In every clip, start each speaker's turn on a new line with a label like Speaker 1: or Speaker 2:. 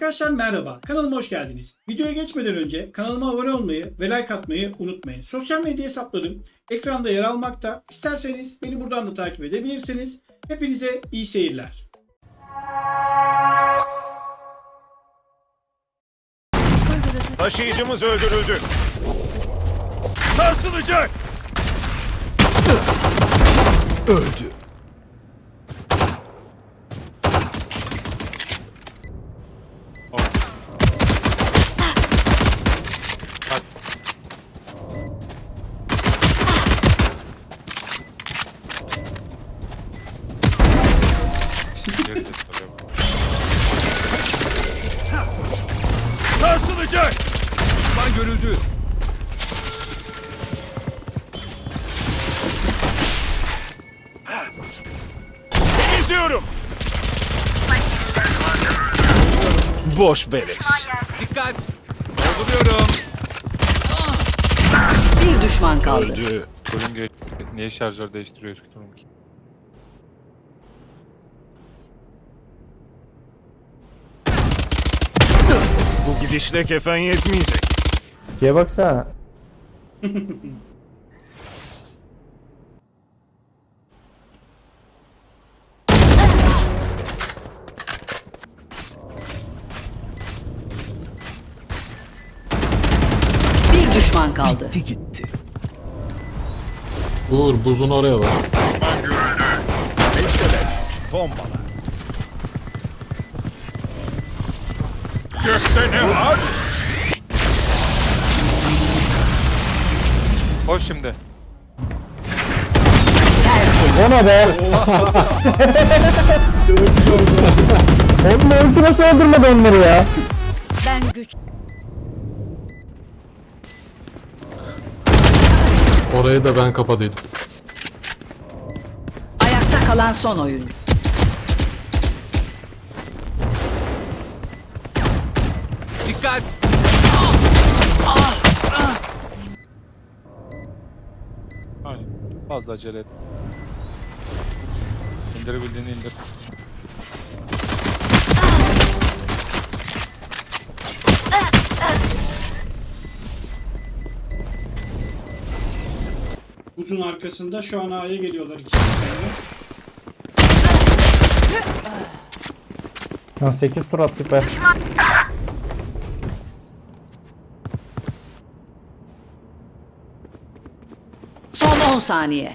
Speaker 1: Arkadaşlar merhaba, kanalıma hoş geldiniz. Videoya geçmeden önce kanalıma abone olmayı ve like atmayı unutmayın. Sosyal medya hesaplarım ekranda yer almakta. İsterseniz beni buradan da takip edebilirsiniz. Hepinize iyi seyirler.
Speaker 2: Taşıyıcımız öldürüldü. Sarsılacak. Öldü. Sarsılacak. Düşman görüldü. İzliyorum. Boş beleş. Dikkat. Dolduruyorum.
Speaker 3: Bir düşman kaldı.
Speaker 2: Öldü.
Speaker 4: Bölüm niye şarjör değiştiriyor bilmiyorum ki.
Speaker 2: Bu gidişle kefen yetmeyecek.
Speaker 5: Şeye baksana.
Speaker 3: Bir düşman kaldı.
Speaker 2: Gitti.
Speaker 6: Uğur buzun oraya bak.
Speaker 2: Bombala. Gökte ne var?
Speaker 4: Koş şimdi.
Speaker 5: O ne be? Oğlum ulti nasıl öldürmedi onları ya?
Speaker 3: Ben güç.
Speaker 6: Orayı da ben kapadıydım.
Speaker 3: Ayakta kalan son oyun.
Speaker 2: Dikkat.
Speaker 4: Aynen. Fazla acele et. İndirebildiğini indir.
Speaker 1: Uzun arkasında şu an A'ya geliyorlar ikisi.
Speaker 5: Lan 8 tur attık be.
Speaker 3: Son 10 saniye.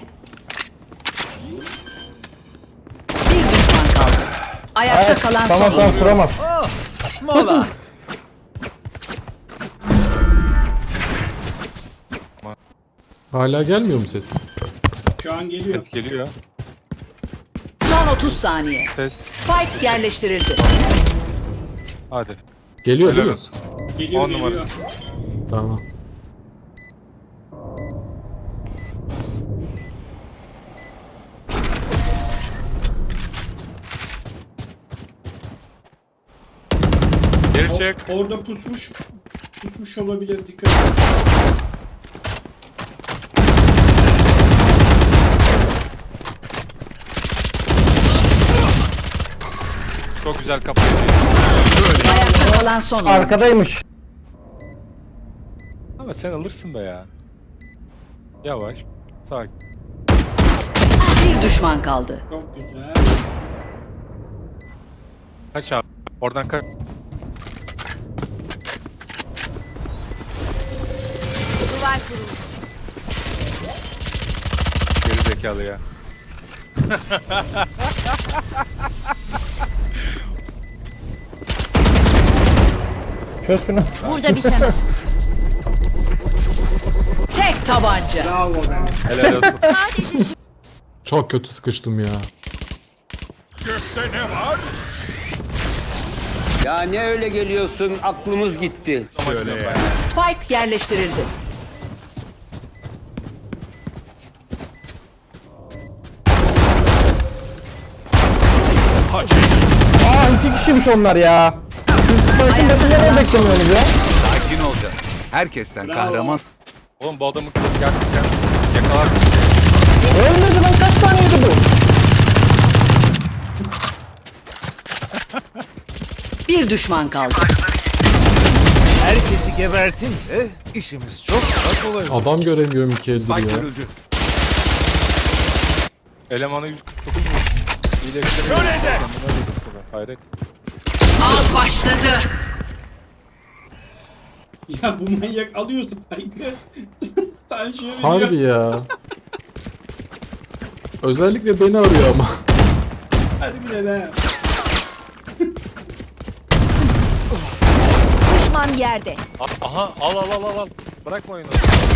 Speaker 3: Bir düşman kaldı. Ayakta kalan
Speaker 5: Tamam
Speaker 3: son oyun.
Speaker 5: sıramaz.
Speaker 2: Mola.
Speaker 6: Hala gelmiyor mu ses?
Speaker 1: Şu an geliyor.
Speaker 4: Ses geliyor.
Speaker 3: Son 30 saniye.
Speaker 4: Ses.
Speaker 3: Spike yerleştirildi.
Speaker 4: Hadi.
Speaker 6: Geliyor değil
Speaker 4: Helal
Speaker 6: mi?
Speaker 4: olsun.
Speaker 1: Geliyor,
Speaker 4: 10 numara.
Speaker 1: geliyor.
Speaker 6: Tamam.
Speaker 4: Geri çek.
Speaker 1: Orada pusmuş olabilir, dikkat edin.
Speaker 4: Çok güzel kapıyı.
Speaker 3: Ayakta kalan son oyun.
Speaker 5: Arkadaymış.
Speaker 4: Ama sen alırsın da ya. Yavaş. Sakin.
Speaker 3: Bir düşman kaldı.
Speaker 1: Çok güzel.
Speaker 4: Kaç abi. Oradan kaç.
Speaker 3: Duvar kurulu.
Speaker 4: Geri zekalı ya.
Speaker 5: Çöz şunu.
Speaker 3: Burada bitemez. Tek tabanca.
Speaker 1: Bravo be.
Speaker 4: Helal olsun.
Speaker 6: Çok kötü sıkıştım ya.
Speaker 2: Gökte ne var?
Speaker 7: Ya ne öyle geliyorsun? Aklımız gitti.
Speaker 2: Şöyle ya.
Speaker 3: Spike yerleştirildi.
Speaker 2: Hacı.
Speaker 5: Aa 2 kişiymiş onlar ya. Siz Spike'ın defilere beklemiyorsunuz ya.
Speaker 7: Sakin olacağız. Herkesten
Speaker 1: Bravo.
Speaker 7: kahraman.
Speaker 4: Oğlum bu adamı gerçekten yakalar.
Speaker 5: Ölmedi lan, kaç taneydi bu?
Speaker 3: Bir düşman kaldı.
Speaker 2: Herkesi gebertince işimiz çok daha kolay olur.
Speaker 6: Adam göremiyorum iki eldir
Speaker 2: Spike
Speaker 6: ya.
Speaker 2: görüldü.
Speaker 4: Elemanı 149 mu? İyileştiremiyor. Hayret.
Speaker 3: Av başladı.
Speaker 1: Ya bu manyak alıyor Spike'ı. Tansiyon veriyor.
Speaker 6: Harbi ya. Özellikle beni arıyor ama.
Speaker 1: Hadi bile be.
Speaker 3: Düşman yerde.
Speaker 4: Aha al. Bırakma oyunu.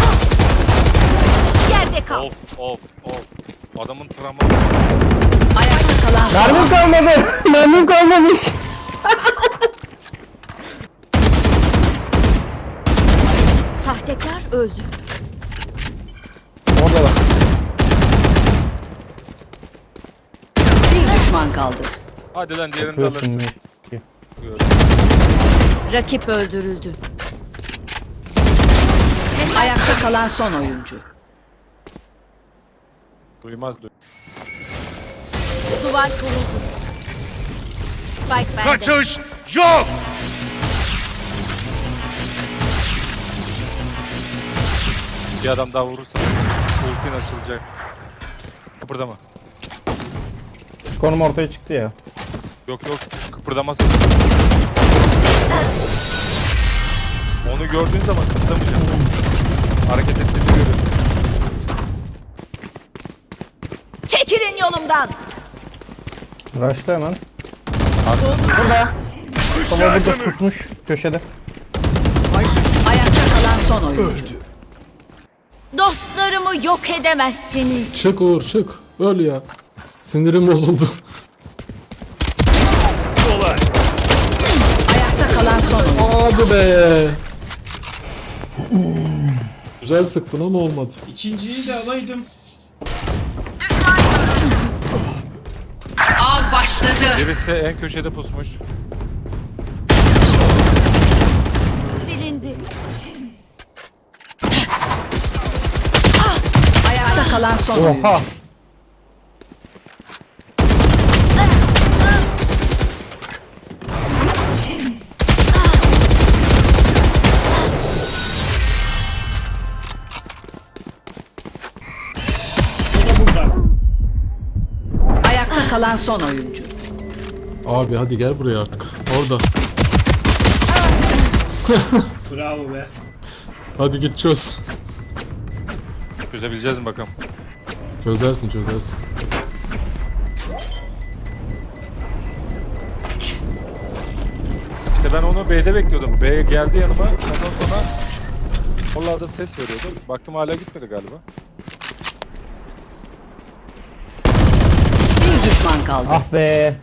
Speaker 3: Yerde kal.
Speaker 4: Of. Adamın travma.
Speaker 3: Ayakta kalan
Speaker 5: Mermim kalmadı. Mermim kalmamış.
Speaker 3: sahtekar öldü.
Speaker 5: Orada bak.
Speaker 3: Bir düşman kaldı.
Speaker 4: Hadi lan diğerini de
Speaker 5: Yapıyorsun
Speaker 4: alırsın.
Speaker 5: ne?
Speaker 3: Rakip öldürüldü. Ayakta kalan son oyuncu.
Speaker 4: Duymaz.
Speaker 3: Duvar kuruldu. Spike bende.
Speaker 2: Kaçış yok.
Speaker 4: Bir adam daha vurursa ultin açılacak. Kıpırdama.
Speaker 5: Konum ortaya çıktı ya.
Speaker 4: Yok kıpırdamasın. Onu gördüğün zaman kıpırdamayacaksın. Hareket ettiğini görüyorsun.
Speaker 3: Çekilin yolumdan.
Speaker 5: Rush'ta hemen. Burada. Baba burada pusmuş köşede.
Speaker 3: Ayakta kalan son oyuncu. Dostlarımı yok edemezsiniz.
Speaker 6: Çık Uğur çık. Öl ya. Sinirim bozuldu.
Speaker 3: Ayakta kalan son oyuncu.
Speaker 6: Hadi be. Güzel sıktın ama olmadı.
Speaker 1: İkinciyi de alaydım.
Speaker 3: Av başladı.
Speaker 4: Birisi en köşede pusmuş.
Speaker 3: Silindi. Ayakta kalan son oyuncu.
Speaker 5: Oha.
Speaker 1: O da burada.
Speaker 3: Ayakta kalan son oyuncu.
Speaker 6: Abi hadi gel buraya artık. Orada.
Speaker 1: Bravo be.
Speaker 6: Hadi git çöz.
Speaker 4: Çözebileceğiz mi bakalım.
Speaker 6: Çözersin.
Speaker 4: İşte ben onu B'de bekliyordum. B geldi yanıma. Ondan sonra oralarda ses veriyordu. Baktım hala gitmedi galiba.
Speaker 3: Bir düşman kaldı.
Speaker 5: Ah be.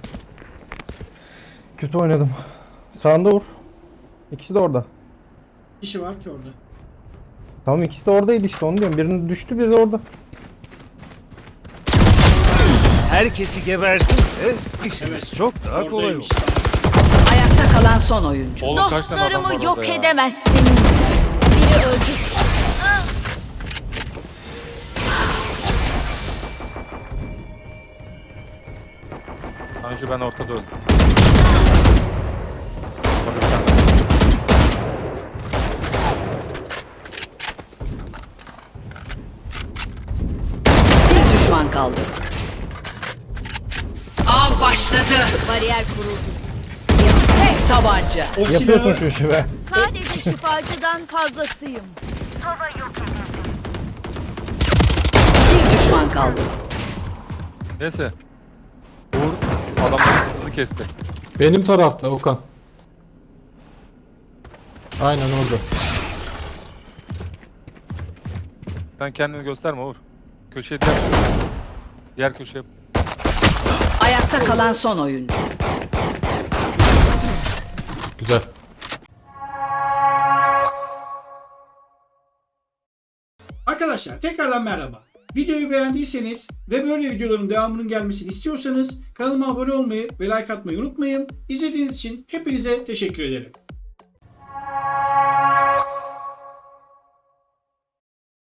Speaker 5: Kötü oynadım. Sağında vur. İkisi de orada.
Speaker 1: Kişi var ki orada.
Speaker 5: Tamam ikisi de oradaydı işte onu diyorum. Birinin düştü biri de orada.
Speaker 2: Herkesi gebertince işimiz çok daha kolay
Speaker 1: Oradaymış.
Speaker 2: olur.
Speaker 3: Ayakta kalan son oyuncu.
Speaker 4: Oğlum kaç tane adam var
Speaker 3: Dostlarımı yok
Speaker 4: orada ya?
Speaker 3: edemezsiniz. Biri öldü.
Speaker 4: Tanju ben ortada öldüm. Orada bir tane.
Speaker 3: Bir düşman kaldı. Av başladı. Bariyer kuruldu. Tek tabanca.
Speaker 1: O
Speaker 5: Yapıyorsun
Speaker 1: silahı
Speaker 5: şu işi be.
Speaker 3: Sadece şifacıdan fazlasıyım. Bir düşman kaldı.
Speaker 4: Neyse. Uğur adamların hızını kesti.
Speaker 6: Benim tarafta Okan. Aynen orada.
Speaker 4: Sen kendini gösterme Uğur. Köşeye diğer köşeye.
Speaker 3: Ayakta kalan son oyuncu.
Speaker 6: Güzel.
Speaker 1: Arkadaşlar tekrardan merhaba. Videoyu beğendiyseniz ve böyle videoların devamının gelmesini istiyorsanız kanalıma abone olmayı ve like atmayı unutmayın. İzlediğiniz için hepinize teşekkür ederim.